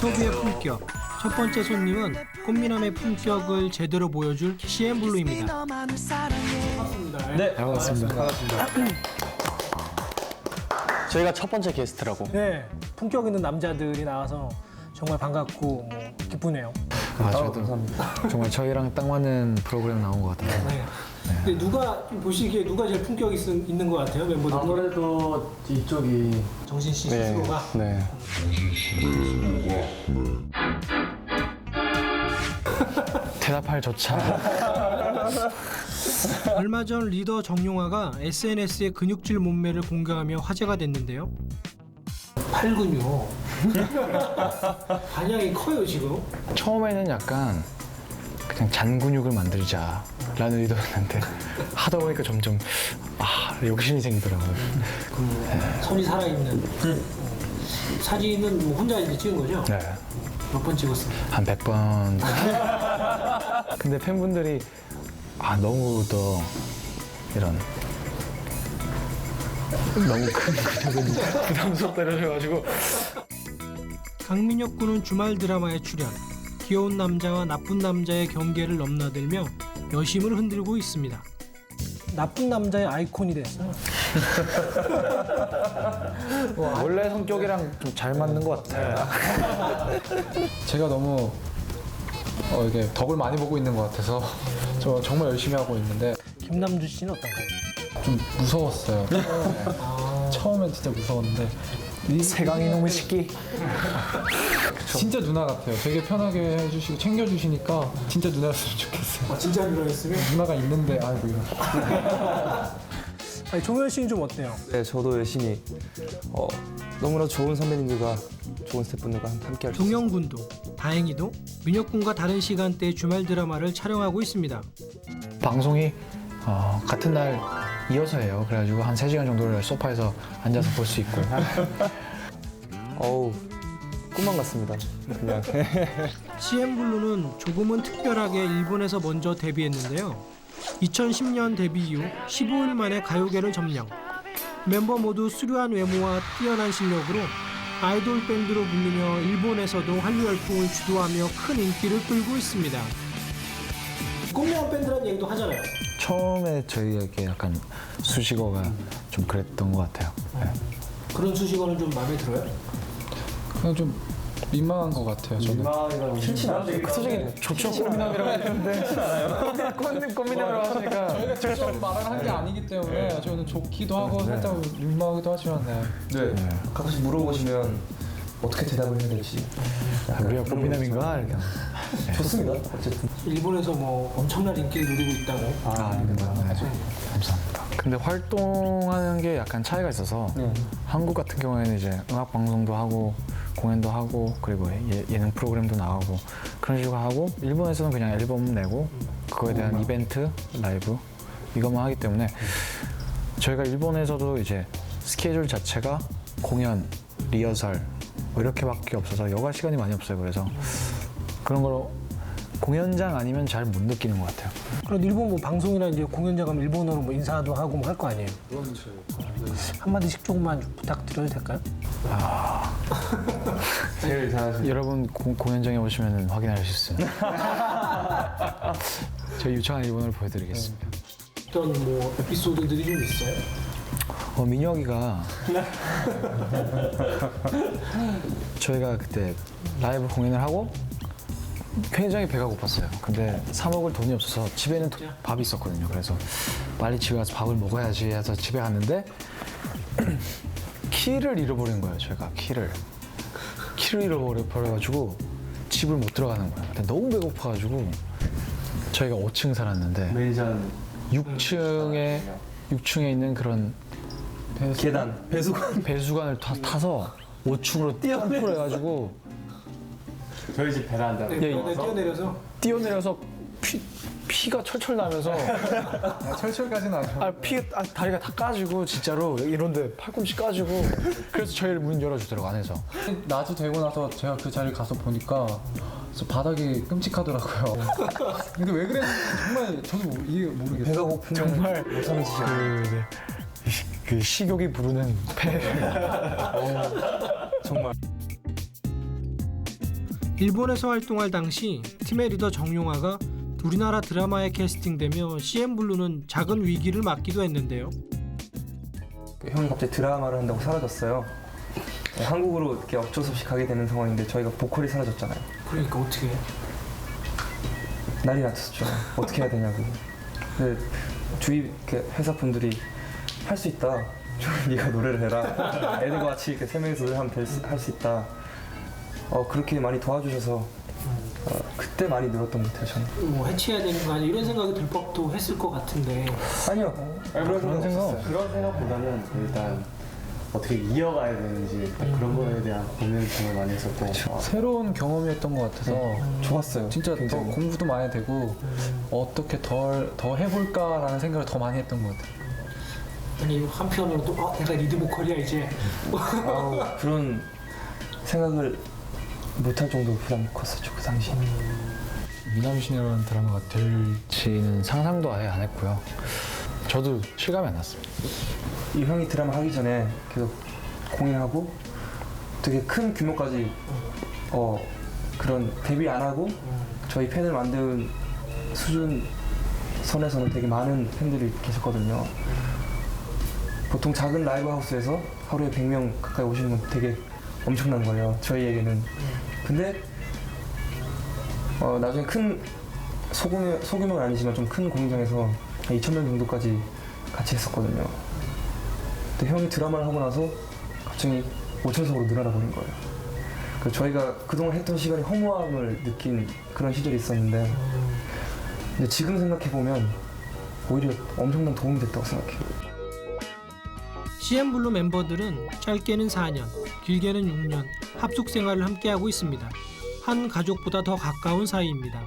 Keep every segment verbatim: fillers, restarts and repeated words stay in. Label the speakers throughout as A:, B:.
A: 인터뷰의 품격. 첫 번째 손님은 꽃미남의 품격을 제대로 보여줄 씨엠블루입니다.
B: 네, 반갑습니다. 반갑습니다. 저희가 첫 번째 게스트라고.
A: 네, 품격 있는 남자들이 나와서 정말 반갑고 뭐 기쁘네요.
C: 아, 저도 정말 저희랑 딱 맞는 프로그램 나온 것 같아요.
A: 네. 근데 누가 좀 보시기에 누가 제일 품격이 있, 있는 것 같아요, 멤버들?
B: 아무래도 이쪽이
A: 정신 씨
B: 네,
A: 스스로가.
B: 네.
C: 대답할 조차.
A: 얼마 전 리더 정용화가 에스엔에스에 근육질 몸매를 공개하며 화제가 됐는데요. 팔 근육. 반향이 커요 지금.
C: 처음에는 약간 그냥 잔 근육을 만들자라는 의도였는데 하다 보니까 점점 아 욕심이 생기더라고요.
A: 그 손이 살아있는 사진은 뭐 혼자 이제 찍은 거죠?
C: 네,
A: 몇 번 찍었어요?
C: 한 백 번. 근데 팬분들이 아 너무 더 이런 너무 큰 근육은 부담스럽다 이러셔가지고.
A: 강민혁 군은 주말 드라마에 출연. 귀여운 남자와 나쁜 남자의 경계를 넘나들며 여심을 흔들고 있습니다. 나쁜 남자의 아이콘이 됐어요.
C: 원래 성격이랑 좀 잘 맞는 것 같아요.
D: 제가 너무 어, 이게 덕을 많이 보고 있는 것 같아서 저 정말 열심히 하고 있는데
A: 김남주 씨는 어떤가요?
D: 좀 무서웠어요. 네. 처음엔 진짜 무서웠는데 이-
C: 세강이 너무 식기.
D: 진짜 누나 같아요. 되게 편하게 해주시고 챙겨주시니까 진짜 누나였으면 좋겠어요.
A: 아, 진짜 누나였으면?
D: 누나가 있는데 아이고 이런.
A: 아니, 종현 씨는 좀 어때요?
E: 네, 저도 열심히 어, 너무나 좋은 선배님들과 좋은 스태프분들과 함께 할 수 있어요.
A: 종영 군도 다행히도 민혁 군과 다른 시간대의 주말 드라마를 촬영하고 있습니다.
C: 방송이 어, 같은 날 이어서 해요. 그래가지고 한 세 시간 정도를 소파에서 앉아서 볼 수 있고.
E: 어우, 꿈만 같습니다. 그냥.
A: 씨엠블루는 조금은 특별하게 일본에서 먼저 데뷔했는데요. 이천십 년 데뷔 이후 십오 일 만에 가요계를 점령. 멤버 모두 수려한 외모와 뛰어난 실력으로 아이돌 밴드로 불리며 일본에서도 한류 열풍을 주도하며 큰 인기를 끌고 있습니다. 꽃미남 밴드라는 얘기도 하잖아요.
C: 처음에 저희에게 약간 수식어가 좀 그랬던 것 같아요. 네.
A: 그런 수식어는 좀 마음에 들어요?
D: 그냥 좀 민망한 것 같아요. 저는.
C: 솔직히 좋죠. 꽃미남이라고 했는데 꽃- 꽃미남이라고 하시니까
D: 저희가 직접 말을 한 게 아니기 때문에 저는 좋기도 하고 살짝 민망하기도 하지만 네.
E: 네. 가끔씩 물어보시면 어떻게 대답을 해야 될지.
C: 우리가 꽃미남인가 이렇게.
E: 좋습니다. 어쨌든.
A: 일본에서 뭐 엄청난 인기를 누리고 있다고.
C: 아, 감사합니다. 근데 활동하는 게 약간 차이가 있어서
E: 네.
C: 한국 같은 경우에는 이제 음악 방송도 하고 공연도 하고 그리고 예, 예능 프로그램도 나오고 그런 식으로 하고 일본에서는 그냥 앨범 내고 그거에 대한 이벤트, 라이브 이것만 하기 때문에 저희가 일본에서도 이제 스케줄 자체가 공연, 리허설 뭐 이렇게밖에 없어서 여가 시간이 많이 없어요. 그래서 그런 걸 공연장 아니면 잘 못 느끼는 것 같아요.
A: 그럼 일본 뭐 방송이나 이제 공연장 가면 일본어로 뭐 인사도 하고 뭐 할 거 아니에요? 한 마디씩 조금만 좀 부탁드려도 될까요?
E: 제일 잘하시는.
C: 여러분 고- 공연장에 오시면 확인할 수 있습니다. 저희 유창한 일본어를 보여드리겠습니다.
A: 어떤 뭐 에피소드들이 좀 있어요?
C: 어, 민혁이가 저희가 그때 라이브 공연을 하고 굉장히 배가 고팠어요. 근데 사 먹을 돈이 없어서 집에는 도- 밥이 있었거든요. 그래서 빨리 집에 가서 밥을 먹어야지 해서 집에 갔는데 키를 잃어버린 거예요. 저희가 키를 키를 잃어버려가지고 집을 못 들어가는 거예요. 근데 너무 배고파가지고 저희가 오 층 살았는데
E: 매니저는
C: 육 층에 육 층에 있는 그런
E: 계단, 배수관.
C: 배수관을 타, 타서 오 층으로 뛰어내려 해가지고
E: 저희 집 베란다.
A: 네,
C: 예,
A: 네, 뛰어내려서
C: 뛰어내려서 피, 피가 철철 나면서
D: 아, 철철까지는 아니고
C: 아, 피, 아, 다리가 다 까지고 진짜로 이런데 팔꿈치 까지고 그래서 저희를 문 열어주더라고 안에서.
D: 낮이 되고 나서 제가 그 자리를 가서 보니까 저 바닥이 끔찍하더라고요. 근데 왜 그랬는지 정말 저도 이해 모르겠어요.
E: 배가 고프면
C: 정말
E: 못 사는 짓이야.
C: 그, 네. 그 식욕이 부르는 폐.
E: 정말.
A: 일본에서 활동할 당시 팀의 리더 정용화가 우리나라 드라마에 캐스팅되며 씨엠블루는 작은 위기를 맞기도 했는데요.
E: 형이 갑자기 드라마를 한다고 사라졌어요. 네, 한국으로 이렇게 어쩔 수 없이 가게 되는 상황인데 저희가 보컬이 사라졌잖아요.
A: 그러니까 어떻게 해?
E: 난리 났었죠. 어떻게 해야 되냐고. 근데 주위 이렇게 회사 분들이 할 수 있다. 좀 네가 노래를 해라. 애들과 같이 이렇게 세 명이서 노래하면 할 수 있다. 어, 그렇게 많이 도와주셔서 어, 그때 많이 늘었던 것 같아요. 저는.
A: 뭐 해체해야 되는 거 아니야? 이런 생각이 들 법도 했을 것 같은데.
E: 아니요. 그런
C: 그런 생각
E: 없었어요.
B: 그런 생각보다는 일단 어떻게 이어가야 되는지 딱 그런 거에 대한 고민을 정말 많이 했었고
D: 새로운 경험이었던 것 같아서
E: 좋았어요.
D: 진짜 더
E: 굉장히.
D: 공부도 많이 되고 어떻게 덜, 더 해볼까라는 생각을 더 많이 했던 것 같아요.
A: 아니 한편으로 또 어, 내가 리드 보컬이야 이제.
E: 아우, 그런 생각을 못할 정도로 부담이 컸었죠. 그 당시에.
C: 미남신이라는 드라마가 될지는 상상도 아예 안 했고요. 저도 실감이 안 났습니다.
E: 이 형이 드라마 하기 전에 계속 공연하고 되게 큰 규모까지 어 그런 데뷔 안 하고 저희 팬을 만든 수준 선에서는 되게 많은 팬들이 계셨거든요. 보통 작은 라이브 하우스에서 하루에 백 명 가까이 오시는 건 되게 엄청난 거예요. 저희에게는. 근데 어 나중에 큰 소규모, 소규모는 아니지만 좀 큰 공연장에서 이천 명 정도까지 같이 했었거든요. 근데 형이 드라마를 하고 나서 갑자기 오천석으로 늘어나 버린 거예요. 그 저희가 그동안 했던 시간이 허무함을 느낀 그런 시절이 있었는데 근데 지금 생각해보면 오히려 엄청난 도움이 됐다고 생각해요.
A: 씨엠블루 멤버들은 짧게는 사 년, 길게는 육 년 합숙 생활을 함께하고 있습니다. 한 가족보다 더 가까운 사이입니다.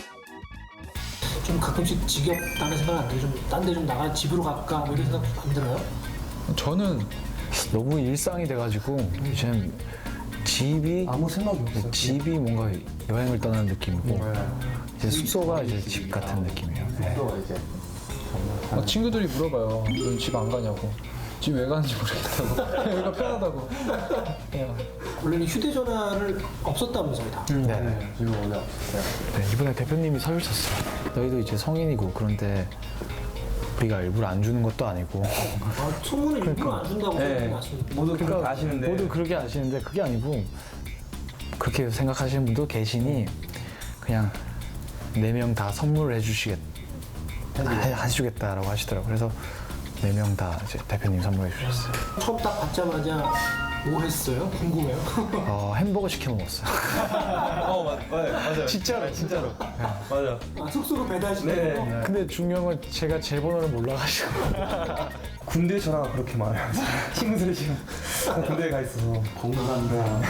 A: 좀 가끔씩 지겹다는 생각 안 들어요? 좀 딴 데 좀 나가 집으로 갈까 뭐 이런 생각 안 들어요?
D: 저는
C: 너무 일상이 돼가지고 이제는 집이
E: 아무 생각이 없어요.
C: 집이 뭔가 여행을 떠나는 느낌이고 이제 숙소가 이제 집 같은 느낌이에요. 네.
B: 또 이제
D: 막 친구들이 물어봐요. 넌 집 안 가냐고. 집 왜 가는지 모르겠다고. 여기가 편하다고. 그냥
A: 원래는 휴대전화를 없었다면서요 다.
C: 네.
B: 지금 원래 없었어요.
C: 네, 이번에 대표님이 서주셨어요. 너희도 이제 성인이고 그런데 우리가 일부러 안 주는 것도 아니고
A: 아, 소문을 일부러 안 준다고
E: 네.
A: 생각하시는
E: 모두 그렇게 아시는데
C: 모두 그렇게 아시는데 그게 아니고 그렇게 생각하시는 분도 계시니 그냥 네 명 다 선물을 해주시겠 해, 해주겠다라고 하시더라고요. 그래서 네 명 다 이제 대표님 선물해 주셨어요.
A: 처음 딱 받자마자 뭐 했어요? 궁금해요.
C: 어, 햄버거 시켜 먹었어요.
E: 어 맞, 맞아요. 맞아요.
C: 진짜로 진짜로.
E: 맞아.
A: 아, 숙소로 배달시키는 거?
E: 네.
C: 근데 중요한 건 제가 제 번호를 몰라가지고
E: 군대 전화가 그렇게 많아요. 친구들이 지금 군대에 가 있어서
B: 건강한다.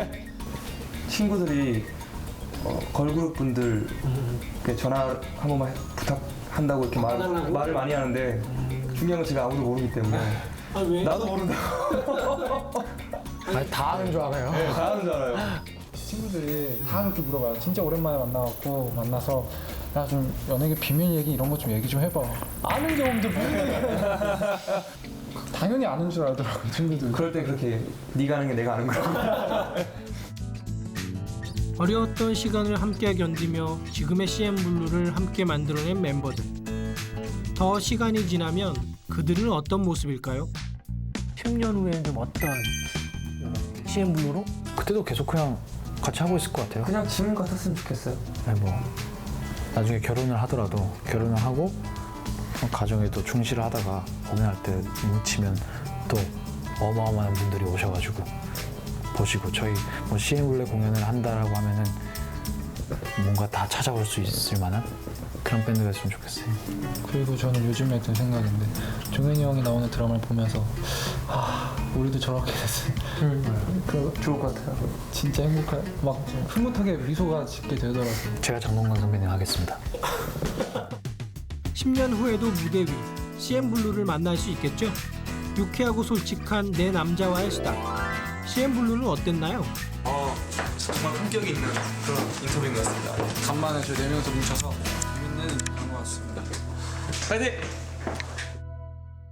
E: 친구들이 어, 걸그룹 분들 이렇게 전화 한 번만 부탁한다고 이렇게 말,
A: 바꿔달라고?
E: 말을 많이 하는데 중요한 건 제가 아무도 모르기 때문에
A: 아 왜?
E: 나도 모른다고.
C: 아니, 다 아는 줄 알아요.
E: 네, 다 하는 줄 알아요.
D: 친구들이 다 그렇게 물어봐요. 진짜 오랜만에 만나갖고 만나서 야 좀 연예계 비밀 얘기 이런 거 좀 얘기 좀 해봐. 아는 게 없는데 뭐 당연히 아는 줄 알더라고요 친구들.
E: 그럴 때 그렇게 네가 아는 게 내가 아는 거라고.
A: 어려웠던 시간을 함께 견디며 지금의 씨엠블루를 함께 만들어낸 멤버들. 더 시간이 지나면 그들은 어떤 모습일까요? 십 년 후에는 좀 어떤 씨엠블루로?
C: 그때도 계속 그냥 같이 하고 있을 것 같아요.
E: 그냥 지금 같았으면 좋겠어요.
C: 아니 뭐 나중에 결혼을 하더라도 결혼을 하고 가정에도 충실을 하다가 공연할 때 뭉치면 또 어마어마한 분들이 오셔가지고 보시고 저희 뭐 씨엠블루 공연을 한다라고 하면은 뭔가 다 찾아올 수 있을 만한 그런 밴드가 있으면 좋겠어요.
D: 그리고 저는 요즘에 든 생각인데 종현이 형이 나오는 드라마를 보면서 아 우리도 저렇게 됐으면 그
E: 좋을 것 같아요.
D: 진짜 행복할 막 흐뭇하게 미소가 짓게 되더라고요.
C: 제가 장동건 선배님 하겠습니다.
A: 십 년 후에도 무대 위 씨엠블루를 만날 수 있겠죠? 유쾌하고 솔직한 내 남자와의 수다. 씨엠블루는 어땠나요?
F: 어, 정말 품격이 있는 그런 인터뷰인 것 같습니다. 간만에 저희 네 명이서 뭉쳐서 재밌는 그런 것 같습니다. 파이팅!